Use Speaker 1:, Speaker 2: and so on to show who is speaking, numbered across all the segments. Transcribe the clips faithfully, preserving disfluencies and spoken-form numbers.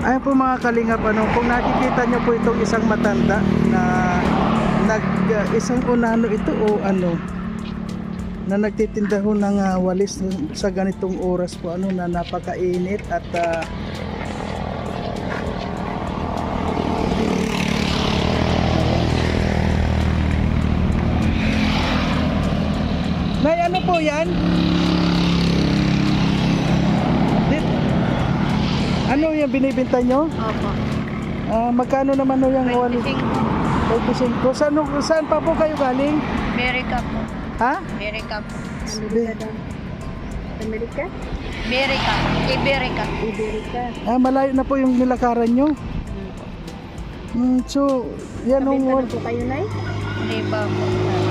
Speaker 1: Ayun po mga kalingap, ano, kung nakikita nyo po itong isang matanda na nag uh, isang unano ito o ano na nagtitinda ho ng uh, walis sa ganitong oras po, ano, na napakainit at uh, may ano po yan? Dit- ano yung binibenta nyo?
Speaker 2: Opo.
Speaker 1: Ah, magkano naman ho yung walis?
Speaker 2: twenty-five.
Speaker 1: twenty-five. Saan, saan pa po kayo galing?
Speaker 2: Amerika po.
Speaker 1: Ha?
Speaker 2: Amerika po.
Speaker 1: Amerika.
Speaker 2: Amerika? Amerika. Iberica. Iberica.
Speaker 1: Ah, malayo na po yung nilakaran nyo. Mm, so, yan ang wal-
Speaker 2: po kayo, Nay? Hindi pa po.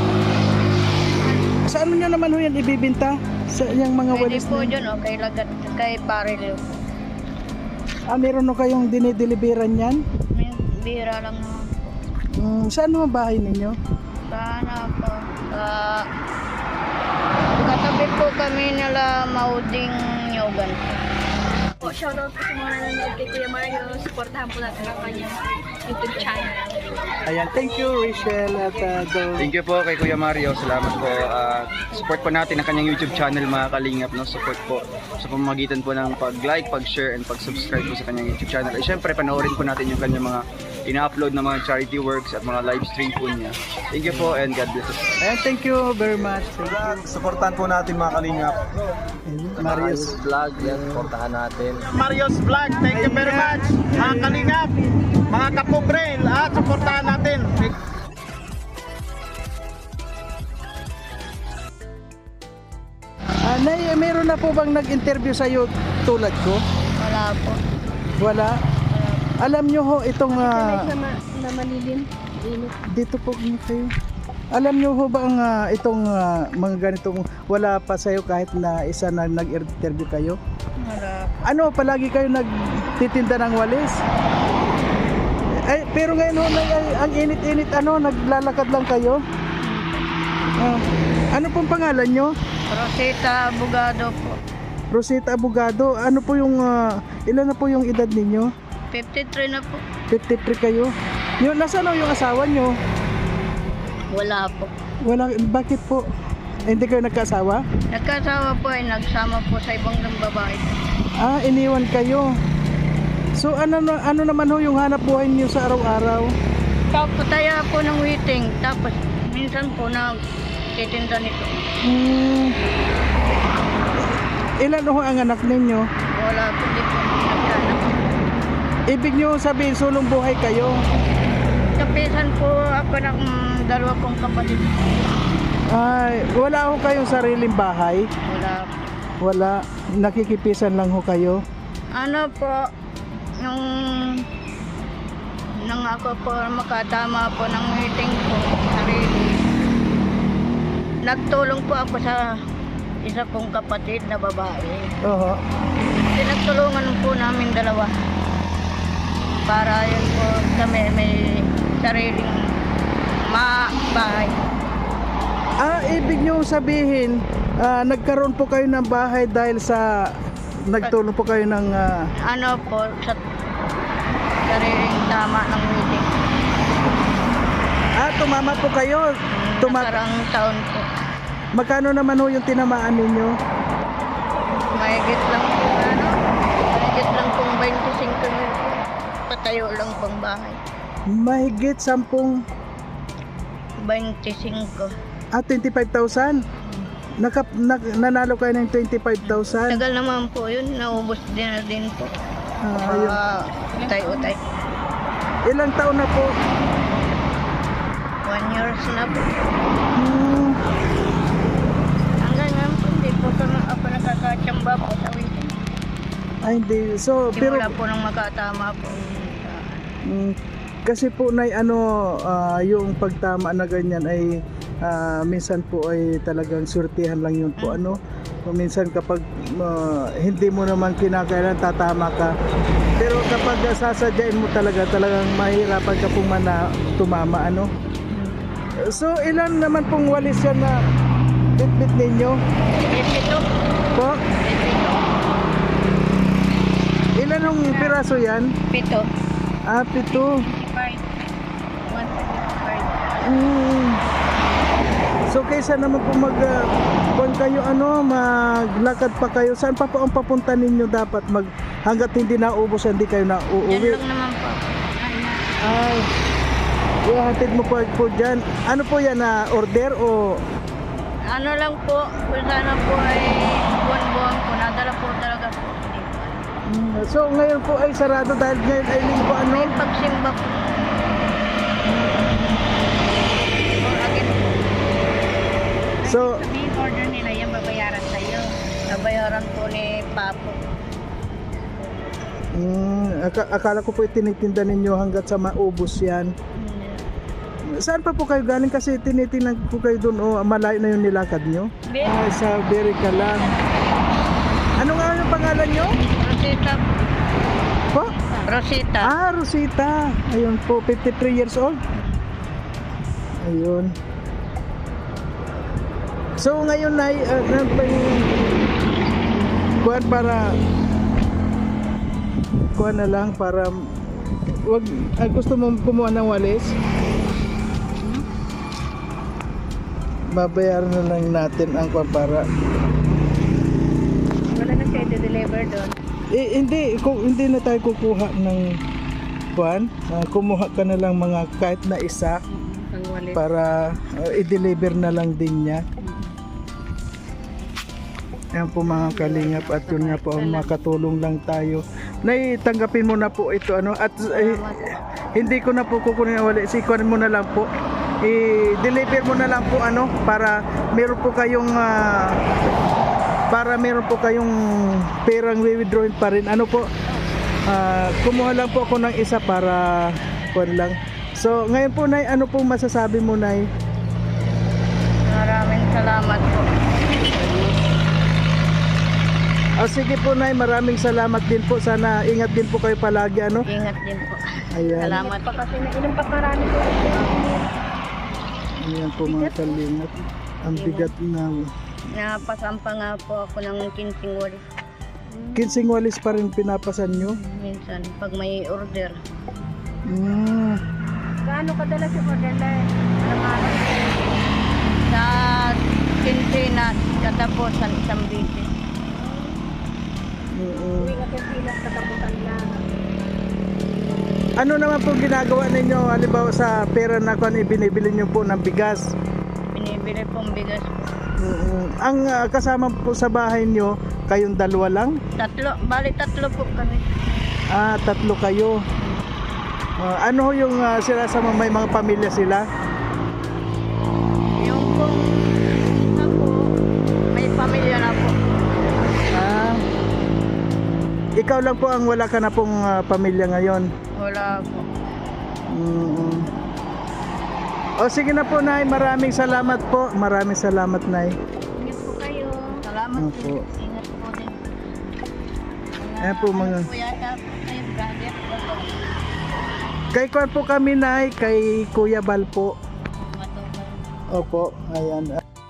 Speaker 1: Sa ano nyo naman ho yan ibibinta? Sa yung mga
Speaker 2: Pwede
Speaker 1: walis
Speaker 2: po
Speaker 1: na yun?
Speaker 2: dyan, oh, kay Lagat, kay Parilo.
Speaker 1: Ah, meron ho kayong dinideliveran yan?
Speaker 2: May bira lang naman po.
Speaker 1: Mm, saan naman bahay ninyo?
Speaker 2: Sana po. Uh, katabi po kami nila Mauding Nyogan.
Speaker 3: Po, shoutout po sa mga nanonood kay Kuya Mario. Supportahan po natin ang kanyang YouTube channel.
Speaker 1: Ayan, thank you Rachel at uh, Dol.
Speaker 4: Thank you po kay Kuya Mario. Salamat po. Ah, support po natin ang kanyang YouTube channel, mga kalingap. No? Support po sa pamamagitan po ng pag-like, pag-share, and pag-subscribe po sa kanyang YouTube channel. At syempre, panoorin po natin yung kanyang mga ina-upload na mga charity works at mga live stream po niya. Thank you po and God bless us.
Speaker 1: Ayan, thank you very much. Thank you.
Speaker 5: Supportan po natin mga kalingap.
Speaker 1: Marius.
Speaker 4: Vlog, yan, supportahan natin.
Speaker 5: Marios Vlog, thank you very much. Mga kalingap, mga kapobre, lahat supportahan natin.
Speaker 1: Ah, Nay, meron na po bang nag-interview sa iyo tulad ko?
Speaker 2: Wala po.
Speaker 1: Wala. Alam nyo ho itong ah,
Speaker 3: na, ma- na malilim. Init.
Speaker 1: dito po kayo. Alam nyo ho ba ang ah, itong ah, mga ganitong wala pa sa iyo kahit na isa na nag-interview kayo?
Speaker 2: Wala.
Speaker 1: Ano, palagi kayo nagtitinda ng walis? Ay, pero ngayon ho, Nay, ay, ang init-init, ano, naglalakad lang kayo? Ah, ano pong pangalan nyo?
Speaker 2: Rosita Abogado po.
Speaker 1: Rosita Abogado. Ano po yung, ah, ilan na po yung edad ninyo?
Speaker 2: fifty-three na po.
Speaker 1: fifty-three kayo? Yung, nasaan ho yung asawa nyo?
Speaker 2: Wala po.
Speaker 1: Wala, bakit po? Eh, hindi kayo nagkasawa?
Speaker 2: Nagkasawa po ay nagsama po sa ibang ng babae.
Speaker 1: Ah, iniwan kayo. So ano na- ano naman ho yung hanap buhay niyo sa araw-araw?
Speaker 2: Tapos taya po ng waiting. Tapos minsan po na titinda nito.
Speaker 1: Hmm. Ilan ho ang anak ninyo?
Speaker 2: Wala po di po nagkaanak.
Speaker 1: Ibig niyo sabihin sulong buhay kayo?
Speaker 2: Kapisan po ako ng mm, dalawa kong kapatid.
Speaker 1: Ay, wala ho kayong sariling bahay?
Speaker 2: Wala po.
Speaker 1: Wala. Nakikipisan lang ho kayo?
Speaker 2: Ano po, nung nang ako po makatama po ng meeting po, sarili. Nagtulong po ako sa isa kong kapatid na babae.
Speaker 1: Oo.
Speaker 2: Pinagtulungan po namin dalawa. Para yun po kami may sariling mabahay.
Speaker 1: Ah, ibig niyo sabihin, ah, nagkaroon po kayo ng bahay dahil sa nagtulong po kayo ng ah,
Speaker 2: Ano po, sa sariling tama ng meeting.
Speaker 1: ah, tumama po kayo. Tuma-
Speaker 2: Nakarang taon po.
Speaker 1: Magkano naman ho yung tinamaan ninyo?
Speaker 2: Mahigit lang po, ano? Mahigit lang pong twenty-five mil po. Patayo lang pong bahay.
Speaker 1: Mahigit sampung
Speaker 2: twenty-five.
Speaker 1: ah, twenty-five thousand. Naka, na, nanalo kayo ng twenty-five thousand.
Speaker 2: Tagal naman po yun. Naubos din na din po.
Speaker 1: Ah, ayun.
Speaker 2: Ah, utay-utay.
Speaker 1: Ilang taon na po?
Speaker 2: One years na po.
Speaker 1: Hmm,
Speaker 2: Hanggang ngayon po, hindi po ko na ako nakakatsamba po sa weekend.
Speaker 1: ay hindi. So, pero
Speaker 2: Simula po nang makatama po.
Speaker 1: mm, kasi po na ano, ah, yung pagtama na ganyan ay ah, minsan po ay talagang surtihan lang yun po, ano. So, minsan kapag ah, hindi mo naman kinakailan tatama ka. Pero kapag ah, sasadyain mo talaga, talagang mahirapan ka pong mana, tumama, ano. So, ilan naman pong walis yan na bitbit ninyo?
Speaker 2: Ito,
Speaker 1: Po?
Speaker 2: ito.
Speaker 1: Ilan yung piraso yan?
Speaker 2: Pito.
Speaker 1: Ah, pito.
Speaker 2: Five. One five.
Speaker 1: Mm. So kaysa naman po mag uh, kung kayo ano, maglakad pa kayo, saan pa po ang papunta ninyo dapat mag hangga't hindi naubos, hindi kayo na
Speaker 2: Yan
Speaker 1: uuwi?
Speaker 2: lang naman po.
Speaker 1: Ay, ihatid mo po po dyan. Ano po yan, na order o?
Speaker 2: Ano lang po, kung sana po ay buwan-buwan po, nadala po talaga po.
Speaker 1: Mm, So ngayon po ay sarado dahil ngayon ay linggo ano?
Speaker 2: May pagsimba po. Or again po.
Speaker 1: So,
Speaker 2: Sabihin order nila yan, babayaran sa'yo. Babayaran po ni Papo.
Speaker 1: mm, aka- akala ko po itinitinda ninyo hanggat sa maubos yan. Saan pa po kayo galing? Kasi tinitingnan po kayo doon, o malayo na yung nilakad nyo?
Speaker 2: Be-
Speaker 1: Ay, sa Berica lang. Ano nga yung pangalan nyo?
Speaker 2: Rosita.
Speaker 1: Po?
Speaker 2: Rosita.
Speaker 1: Ah, Rosita. Ayun po, fifty-three years old. Ayun. So ngayon na uh, ano pa yung kuwan para kuwan na lang para wag ah, gusto mo kumuha ng walis? Babayaran na lang natin ang kuwan para
Speaker 2: Wala na siya i-deliver doon.
Speaker 1: eh, hindi kung hindi na tayo kukuha ng kuwan, ah, kumuha ka na lang mga kahit na isa
Speaker 2: Ang walis.
Speaker 1: para uh, i-deliver na lang din niya. Yan po mga kalingap, at yun nga po ang makatulong lang tayo. Nay, tanggapin mo na po ito ano, at eh, hindi ko na po kukunin na wala, sikuan mo na lang po. I-deliver mo na lang po ano para meron po kayong ah, para meron po kayong perang withdrawin pa rin. Ano po? Ah, kumuha lang po ako ng isa para kuan lang. So, ngayon po Nay, ano po masasabi mo Nay?
Speaker 2: Maraming salamat po.
Speaker 1: Oh, sige po Nay, maraming salamat din po. Sana ingat din po kayo palagi ano.
Speaker 2: Ingat din po.
Speaker 1: Ayan.
Speaker 2: Salamat po.
Speaker 3: Kasi nainom pa marami po.
Speaker 1: Ayan po mga kalingap. Ang bigat na
Speaker 2: Napasampa nga po ako ng kinsing walis.
Speaker 1: kinsing walis pa rin pinapasan nyo.
Speaker 2: Minsan, pag may order.
Speaker 1: Mm.
Speaker 3: Gaano kadalas yung order na araw-araw?
Speaker 2: Sa kinsing na katapusan isang bisis.
Speaker 1: Oo.
Speaker 3: Uwi nga yung pilas katapusan lang.
Speaker 1: Ano naman po ginagawa ninyo halimbawa sa pera na kung ibinibili nyo po ng bigas?
Speaker 2: Binibili pong bigas po.
Speaker 1: Oo. Ang ah, kasama po sa bahay nyo, kayong dalawa lang?
Speaker 2: Tatlo, bali tatlo po kami.
Speaker 1: Ah, tatlo kayo. Ah, ano ho yung ah, sila sa mga- may mga pamilya sila?
Speaker 2: Yung pong isa po, may pamilya na po.
Speaker 1: Ah, ikaw lang po ang wala ka na pong ah, pamilya ngayon.
Speaker 2: Wala po.
Speaker 1: Mm. O sige na po Nay, maraming salamat po. Maraming salamat Nay.
Speaker 3: Ingat po kayo.
Speaker 2: Salamat
Speaker 1: Opo.
Speaker 2: po. Ingat po din.
Speaker 1: Ayan po mga.
Speaker 2: Kuya, tapos kayo, brother.
Speaker 1: Kay Kwan po kami Nay, kay Kuya Bal po.
Speaker 2: Matubay.
Speaker 1: Opo, ayan.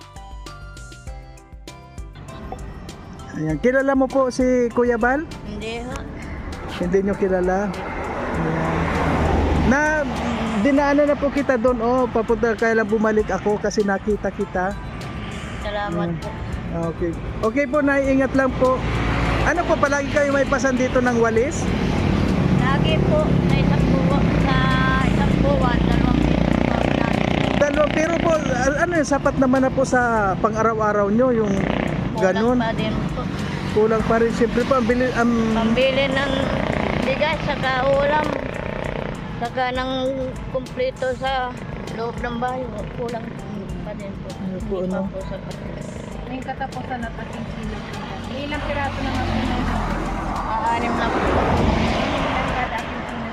Speaker 1: Ayan, kilala mo po si Kuya Bal?
Speaker 2: Hindi ho.
Speaker 1: Hindi nyo kilala? Ayan. Na, dinaanan na po kita doon, oh, papunta kaya lang bumalik ako kasi nakita kita.
Speaker 2: Salamat
Speaker 1: Mm.
Speaker 2: po.
Speaker 1: Okay. Okay po, Nay, ingat lang po. Ano po, palagi kayo may pasan dito ng walis?
Speaker 2: Lagi po, sa isang buwan, sa isang buwan, dalawang piso po kami namin.
Speaker 1: Dalo, pero po, a- ano yun, sapat naman na po sa pang-araw-araw nyo, yung ganun.
Speaker 2: Kulang pa din po.
Speaker 1: Kulang pa rin, siyempre po, ang bili, ang...
Speaker 2: Pambili ng bigas, saka ulam, saka ng kumpleto sa loob ng bahay, kulang pa din po.
Speaker 1: Ano po,
Speaker 2: Hindi
Speaker 1: ano?
Speaker 2: pa po sapat.
Speaker 3: May katapusan at ating sila. Ilang piraso na nga po na
Speaker 2: Aanim na po.
Speaker 3: ilang kada ating sila.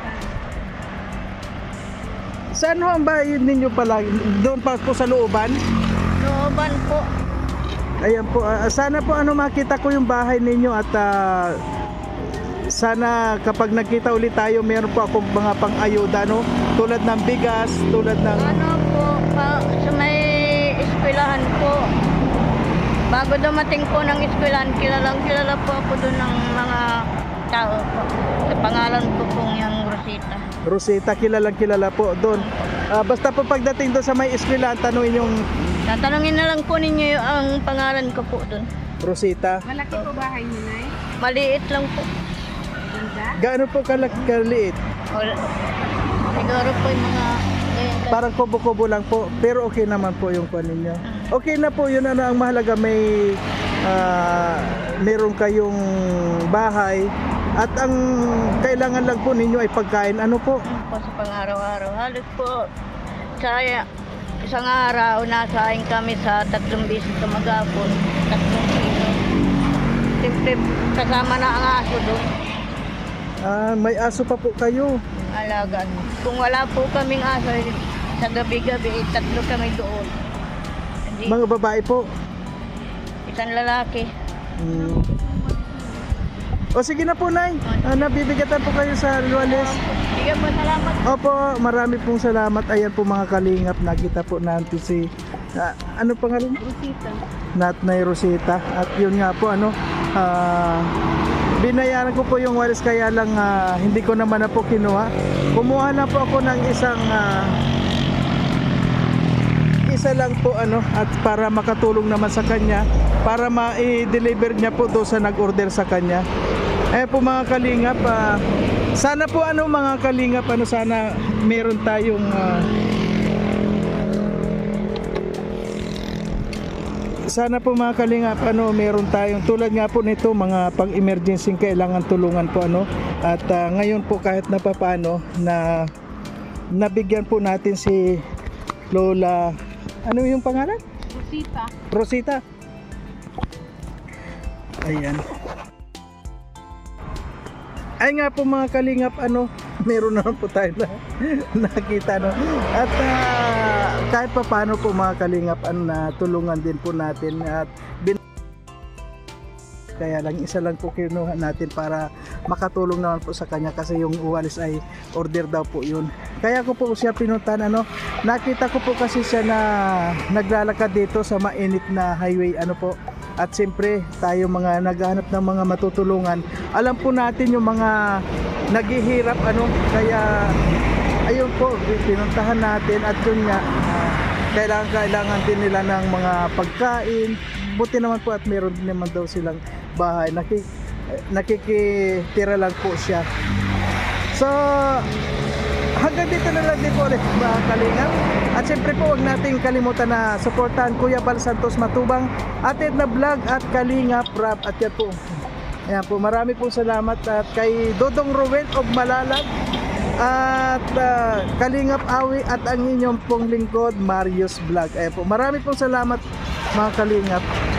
Speaker 1: Saan ho ang bahay ninyo palagi? Doon pa po sa looban?
Speaker 2: Looban po.
Speaker 1: Ayan po, ah, sana po ano makita ko yung bahay ninyo at ah, sana kapag nakita ulit tayo meron po akong mga pang-ayuda no? Tulad ng bigas, tulad ng...
Speaker 2: Ano po, pa, sa may eskwelahan po. Bago dumating po ng eskwelahan, kilalang kilala po ako doon ng mga Rosita, opo. Sa pangalan ko pong yung Rosita.
Speaker 1: Rosita, kilalang kilala po doon. Ah, basta po pagdating doon sa may eskwela, tanungin yung
Speaker 2: Tatanungin na lang po ninyo yung ang pangalan ko po doon.
Speaker 1: Rosita.
Speaker 3: Malaki po bahay niyo, Nay?
Speaker 2: Maliit lang po.
Speaker 3: Ganda?
Speaker 1: Gaano po kalak kaliit?
Speaker 2: Wala. Siguro po yung mga... ganyan lang.
Speaker 1: Parang kubo-kubo lang po, pero okay naman po yung kuan ninyo. Okay na po yun, ano ang mahalaga, may ah, meron kayong bahay at ang kailangan lang po ninyo ay pagkain. Ano po?
Speaker 2: Ano po sa pang-araw-araw. Halos po sa isang araw, nasahin kami sa tatlong bisis sa magapon. Tatlong kilo. Siyempre, kasama na ang aso doon.
Speaker 1: Ah, may aso pa po kayo.
Speaker 2: Alaga. Kung wala po kaming aso, sa gabi-gabi, eh, tatlo kami doon. Hindi,
Speaker 1: Mga babae po.
Speaker 2: isang lalaki.
Speaker 1: Hmm. O sige na po, Nay. Ah, nabibigatan po kayo sa Luales.
Speaker 2: Sige po, salamat.
Speaker 1: Opo, marami pong salamat. Ayan po mga kalingap, nakita po natin si ah, ano pangalan?
Speaker 3: Rosita.
Speaker 1: Natnay Rosita. At yun nga po, ano, ah, binayaran ko po yung walis, kaya lang ah, hindi ko naman na po kinuha. Kumuha na po ako ng isang ah, isa lang po, ano, at para makatulong naman sa kanya, para ma-deliver niya po doon sa nag-order sa kanya. Eh po mga kalingap, ah, sana po ano mga kalingap, ano, sana meron tayong ah, sana po mga kalingap, ano, meron tayong tulad nga po nito, mga pang-emergency kailangan tulungan po, ano, at ah, ngayon po kahit na papaano na nabigyan po natin si Lola, ano yung pangalan?
Speaker 3: Rosita.
Speaker 1: Rosita. Ayan. Ay nga po mga kalingap, ano, meron naman po tayo na nakita, no. At ah, kahit pa paano po mga kalingap, ano, na tulungan din po natin at bin kaya lang isa lang po kinuha natin para makatulong naman po sa kanya, kasi yung uwalis ay order daw po yun. Kaya ko po siya pinuntan, ano, nakita ko po kasi siya na naglalakad dito sa mainit na highway, ano po. At siyempre tayo mga naghahanap ng mga matutulungan, alam po natin yung mga naghihirap, ano, kaya ayun po, pinuntahan natin at yun nga, ah, kailangan kailangan din nila ng mga pagkain. Buti naman po at meron din naman daw silang bahay. Nakik nakikitira lang po siya. So hanggang dito na lang din po ulit mga kalingap. At siyempre po, huwag nating kalimutan na suportahan Kuya Bal Santos Matubang, Atid na Vlog at Kalingap Rap. At yan po, ayan po, marami po salamat. At kay Dodong Ruel of Malalag at uh, Kalingap Awi at ang inyong pong lingkod Marius Vlog. Ayan po, marami pong salamat mga kalingap.